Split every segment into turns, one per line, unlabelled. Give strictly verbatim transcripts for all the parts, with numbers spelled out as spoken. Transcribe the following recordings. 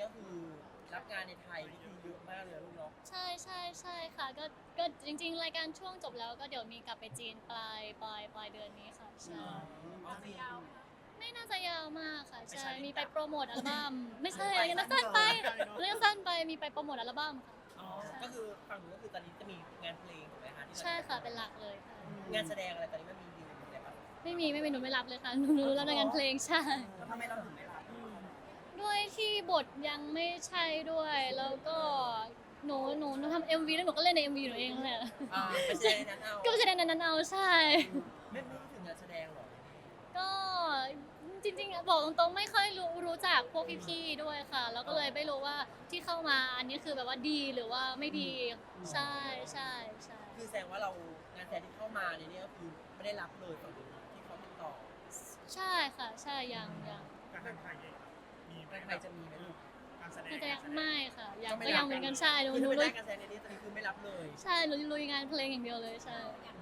คือรับงานในไทยนี่คือเยอะมากเลยนะลูกเนาะ
ใช่ใช่ใช่ค่ะก็ก็จริงๆรายการช่วงจบแล้วก็เดี๋ยวมีกลับไปจีนปลายปลายปลายเดือนนี้ค่ะใช่
เอาสิยาว
ไม่น่าจะยาวมากค่ะ
ไป
ใช่
ใช้
มีไปโปรโมทอัลบั้มไม่ใช่
ไป
นักสั้นไปเรื่องสั้นไปมีไปโปรโมทอัลบั้มค่ะ
อ๋อก็คือฝั่งนู้นก็คือตอนนี้จะมีงานเพลงถูกไหมคะที่เรา
ใช่ค่ะเป็นหลักเลยค่ะ
งานแสดงอะไรตอนนี้มันมีดีลอะไรบ้าง
ไม่มีไม่มีหนูไม่รับเลยค่ะหนูหนูรับในงานเพลงใช่
แล้วทำไมเราถึงไม่รับ
ด้วยที่บทยังไม่ใช่ด้วยแล้วก็หนูหนูหนูทำเอ็มวีแล้วหนูก็เล่นในเอ็มวีหนูเองแหละ
อ่าไปแสดงในนั้นเอา
ก็ไปแสดงในนั้นเอาใช่
ไม่ไม่ถึงงานแสดงหรอ
ก็จริงๆอะบอกตรงๆไม่ค่อยรู้รู้จักพวกพี่ๆด้วยค่ะ แล้วก็เลยไม่รู้ว่าที่เข้ามาอันนี้คือแบบว่าดีหรือว่าไม่ดีใช่ใช่ใช่
คือแสดงว่าเรางานแสดงที่เข้ามาในนี้ก็คือไม่ได้รับเลยฝั่งนู้นที่เขาติดต่อ
ใช่ค่ะใช่ยังยัง
การทางไทยมีไหม
ใครจะมีไหมลูก
การแสดง
น่าจะยังไม่ค่ะยัง
ไม่
ก็
รั
ยั
บ
งเหมือนกันใช่หนู
คือ
หนู
ถ้าไม่
ลุ
ได้
ย
การแสดงในนี้ตอนนี้คือไม่รับเลย
ใช่หนูลุยงานเพลงอย่างเดียวเลยใช่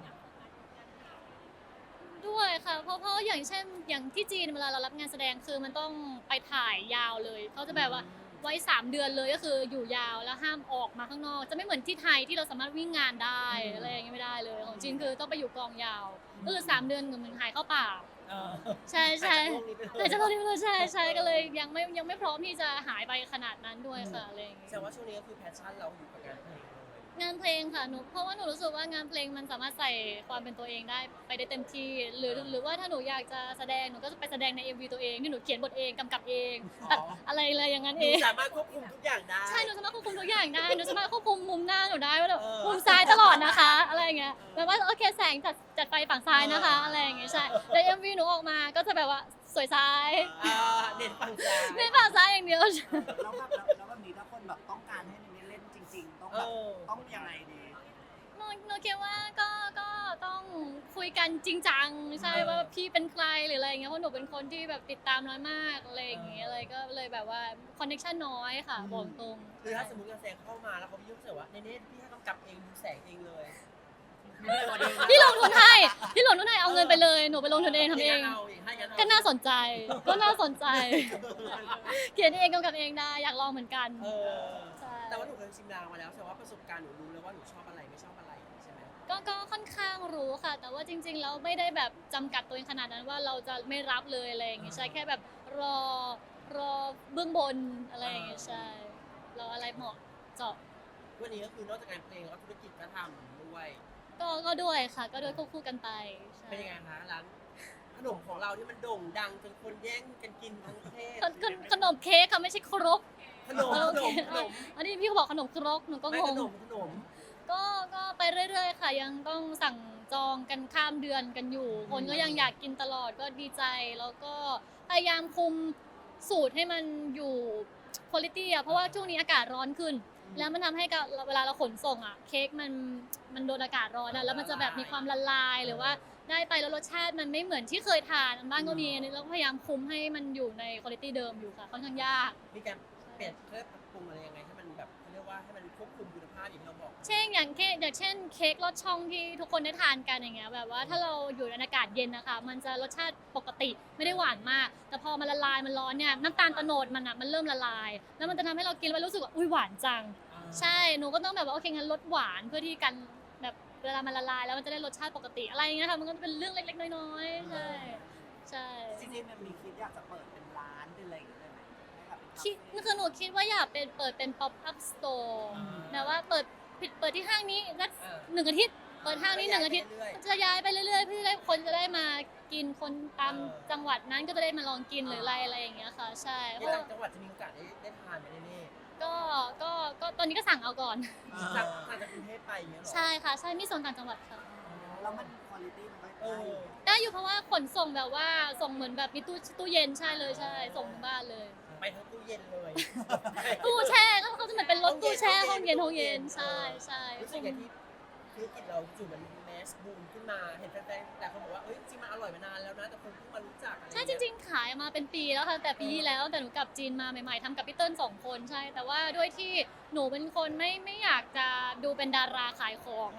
ด้วยค่ะเพราะเพราะอย่างเช่นอย่างที่จีนเวลาเรารับงานแสดงคือมันต้องไปถ่ายยาวเลยเขาจะแบบว่าไว้สามเดือนเลยก็คืออยู่ยาวแล้วห้ามออกมาข้างนอก จะไม่เหมือนที่ไทยที่เราสามารถวิ่งงานได้อะไรอย่างเงี้ยไม่ได้เลยของจีนคือต้องไปอยู่กองยาวก็คือสามเดือนเหมือนหายเข้าป่า
เออ
ใช่ใช่
หายจากโลกนี้ไปเลย
แต่จะบอกที่ว่าใช่ใช่ก็เลยยังไม่ยังไม่พร้อมที่จะหายไปขนาดนั้นด้วยค่ะอะไรอย่างเงี้
แสดง
ย
ว่าช่วงนี้ก็คือแพชชั่นเราอยู่กับงานเพลงเลย
งานเพลงค่ะหนูเพราะว่าหนูรู้สึกว่างานเพลงมันสามารถใส่ความเป็นตัวเองได้ไปได้เต็มที่หรือหรือว่าถ้าหนูอยากจะแสดงหนูก็จะไปแสดงใน เอ็ม วี ตัวเองที่หนูเขียนบทเองกำกับเองตัดอะไรอะไรอย่างนั้น
ห
เอ
นู
ง
สามารถควบคุมทุกอย่างได้
ใช่หนูสามารถควบคุมทุกอย่างได้หนูสามารถควบคุมมุมหน้าหนูได้ว่าแบบ
เออ
มุมซ้ายตลอดนะคะอะไรอย่างเงี้ยแบบว่าโอเคแสงจัดจัดไฟฝั่งซ้ายนะคะ
เอออ
อะไรอย่างเงี้ยใช่แต่ เอ็ม วี หนูออกมาก็จะแบบว่าสวยซ้าย
อ่าเน้นฝั่งซ้าย
ไม่ฝั่งซ้ายอย่างเดียว
แล้วแบบแล้วแบบนี้ถ้าคนแบบต้องการให้มินนี่เล่นจริง ๆ ต้อง
เอ
แบบ
อ
ต้องยังไงดี
หนูหนูคิดว่าก็ก็ต้องคุยกันจริงจังใช่
เออ
ว่าพี่เป็นใครหรืออะไรอย่างเงี้ยเพราะหนูเป็นคนที่แบบติดตามน้อยมากอะไรอย่างเงี้ยอะไรก็เลยแบบว่าคอนเนคชั่นน้อยค่ะบอกตรง
คือถ้าสมมติงานแสดงเข้ามาแล้วเขาพี่ยุ่งเสียว่าเนเน่พี่ให้กำกับเองดูแสงเองเลย
พี่ลงทุนให้พี่ลงทุนให้เอาเงินไปเลยหนูไปลงทุนเองทำเอง
าเองให้งั้นเอ
ก็น่าสนใจก็น่าสนใจ เขียนเองกำกับเองได้อยากลองเหมือนกัน
เออ
ใช่
แต่ว่าหนูเคยชิมลางมาแล้วแสดงว่าประสบการณ์หนูรู้แล้วว่าหนูชอบอะไรไม่ชอบอะไรใช่ไหม
ก็ก็ค่อนข้างรู้ค่ะ แต่ว่าจริงๆแล้วไม่ได้แบบจำกัดตัวเองขนาดนั้นว่าเราจะไม่รับเลยอะไรอย่างเงี้ยใช่แค่แบบรอรอเบื้องบนอะไรอย่างเงี้ยใช่รออะไรเหมาะเจาะ
วันนี้ก็คือนอกจากงานเพลงแล้วก็ธุรกิจก็ทำด้วย
ก็ก็ด้วยค่ะ ก็ด้วยควบคู่กันไปใช่
เป็นยังไงคะร้านขนมของเราที่มันโด่งดังจนคนแย่งกันกินทั้งประเทศ
ขนขนขนมเค้กค่ะไม่ใช่ครก
ขนม
เออ
ข
โอน เค
มขนม
อันนี้พี่เขาบอกขนมครกหนูก็
ไม่
ง
ข
ง
นมขนม
ก็ก็ไปเรื่อยๆค่ะ ยังต้องสั่งจองกันข้ามเดือนกันอยู่ คนก็ยังอยากกินตลอดก็ดีใจ แล้วก็พยายามคุมสูตรให้มันอยู่คุณภาพอะเพราะว่าช่วงนี้อากาศร้อนขึ้น แล้วมันทำให้กับเวลาเราขนส่งอะเค้กมันมันโดนอากาศร้อนอะแล้วมันจะแบบมีความละลายหรือว่าได้ไปแล้วรสชาติมันไม่เหมือนที่เคยทานบ้างก็มีแล้วก็พยายามคุมให้มันอยู่ในคุณภาพเดิมอยู่ค่ะค่อนข้างยาก
มีการเปลี่ยนเพื่อปรับปรุงอะไรยังไงให้มันแบบเขาเรียกว่าให้มันควบคุมคุณภาพอย่างที่เราบอก
เช่นอย่างเค้กอย่างเช่นเค้กรสช่องที่ทุกคนได้ทานกันอย่างเงี้ยแบบว่าถ้าเราอยู่ในอากาศเย็นนะคะมันจะรสชาติปกติไม่ได้หวานมาก แต่พอมันละลายมันร้อนเนี่ยน้ำตาลโตโนดมันอ่ะมันเริ่มละลาย แล้วมันจะทำให้เรากินแล้วรู้สึกว่าอุ้ยหวานจัง ใช่หนูก็ต้องแบบว่าโอเคงั้นลดหวานเพื่อที่กันแบบเวลามันละลายแล้วมันจะได้รสชาติปกติอะไรอย่างเงี้ยค่ะมันก็เป็นเรื่องเล็กๆน้อยๆใช่ใช่
จริงๆมันมีคิดอยากจะเปิดเป็นร้านเป็นอะไรอย่างเงี้ยเลยไหมให้แบบเป็น
คิดคือหนูคิดว่าอยากเป็นเปิดเป็น pop up store แต่ว่าเปิดปิดเปิดที่ห้างนี้สักหนึ่งอาทิตย์เปิดห้างนี้หนึ่งอาทิตย์ จะย้ายไปเรื่อยๆเพื่อให้คนจะได้มากินคนตามจังหวัดนั้นก็จะได้มาลองกินหรืออะไรอะไรอย่างเงี้ยค่ะ ใช่เพ
ใน
ราะ
ต่า
ว่าง
จังหวัดจะมีโอกาสได้ได้ทานไหมเน่
ก็ก็ก็ตอนนี้ก็สั่งเอาก่อน
ๆสั่งสั่งจากกรุงเทพไปอย่างเงี้ยหรอ
ใช่ค่ะใช่มีส่งต่างจังหวัดค่ะ
แล้วมันคุณภาพมันก็
เอ
ได้
อ
อยู่
ได้อยู่เพราะว่าขนส่งแบบว่าส่งเหมือนแบบมีตู้ตู้เย็นใช่เลยใช่ส่งถึงบ้านเลย
ไปทั้งตู้เย็นเลย
ตู้แช่ก็เขาจะเหมือนเป็นรถตู้แช่ห้องเย็นห้องเย็นใช่ใช่
รู้สึกอย่างที่ธุรกิจเราจู่มันแมสบูมขึ้นมาเห็นแฟนๆแต่คนบอกว่าเอ้ยจริงมันอร่อยมานานแล้วนะแต่คนเพิ่งมารู้จักอะไร
ใช่จริงๆขายมาเป็นปีแล้วค่ะแต่ปีที่แล้วแต่หนูกลับจีนมาใหม่ๆทำกับพี่เติ้ลสองคนใช่ แต่ว่าด้วยที่หนูเป็นคนไม่ไม่อยากจะดูเป็นดาราขายของอ่ะ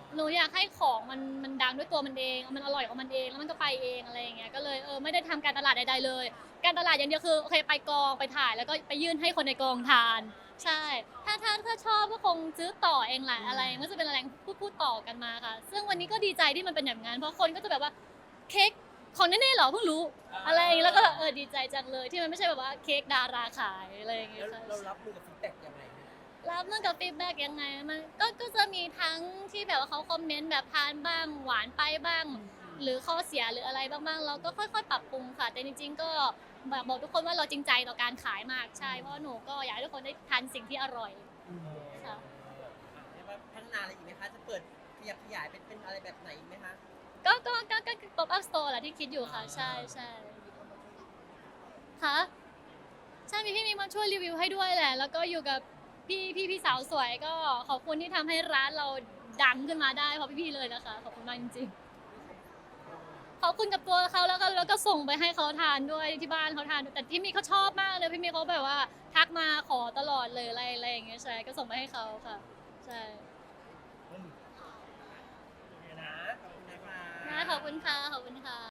หนูอยากให้ของมันมันดังด้วยตัวมันเองมันอร่อยของมันเองแล้วมันก็ไปเองอะไรอย่างเงี้ยก็เลยเออไม่ได้ทำการตลาดใดๆเลย การตลาดอย่างเดียวคือโอเคไปกองไปถ่ายแล้วก็ไปยื่นให้คนในกองทาน ใช่ ถ้าถ้าถ้าชอบก็คงซื้อต่อเองแหละอะไรมันก็จะเป็นอะไรพูดพูดต่อกันมาค่ะ ซึ่งวันนี้ก็ดีใจที่มันเป็นอย่างนั้นเพราะคนก็จะแบบว่าเค้กของแน่ๆเหรอเพิ่งรู้อะไรอย่างเงี้ยแล้วก็แบบเออดีใจจังเลยที่มันไม่ใช่แบบว่าเค้กดาราขายอะไรอย่างเงี้
แล้
ยว ค่ะ
เรารับมือกับฟีดแบ็กยังไง
รับมือกับฟีดแบ็กยังไงมันก็ก็จะมีทั้งที่แบบว่าเขาคอมเมนต์แบบทานบ้างหวานไปบ้าง หรือข้อเสียหรืออะไรบ้างๆเราก็ค่อยๆ ปรับปรุงค่ะ แต่จริงๆก็แบบบอกทุกคนว่าเราจริงใจต่อการขายมากใช่เพราะหนูก็อยากให้ทุกคนได้ทานสิ่งที่อร่อย ค่ะ
เรียกว่าพัฒนาอะไรอีกไหมคะ จะเปิดขยับขยายเป็นเป็นอะไรแบบไหนอีกไหมคะ
ก็ก็ก็ก็ pop up store แหละที่คิดอยู่ค่ะ ใช่ใช่ค่ะใช่มีพี่มีมาช่วยรีวิวให้ด้วยแหละ แล้วก็อยู่กับพี่พี่พี่สาวสวยก็ขอบคุณที่ทำให้ร้านเราดังขึ้นมาได้เพราะพี่ๆเลยนะคะ ขอบคุณมากจริงๆขอบคุณกับตัวเขาแล้วก็แล้วก็ส่งไปให้เขาทานด้วยที่บ้านเขาทานด้วยแต่พี่มีเขาชอบมากเลยพี่มีเขาแบบว่าทักมาขอตลอดเลยอะไรอะไรอย่างเงี้ยใช่ก็ส่งไปให้เขาค่ะใช่
โอเคนะ ขอบคุณนะคะ
นะขอบคุณค่ะขอบคุณค่ะ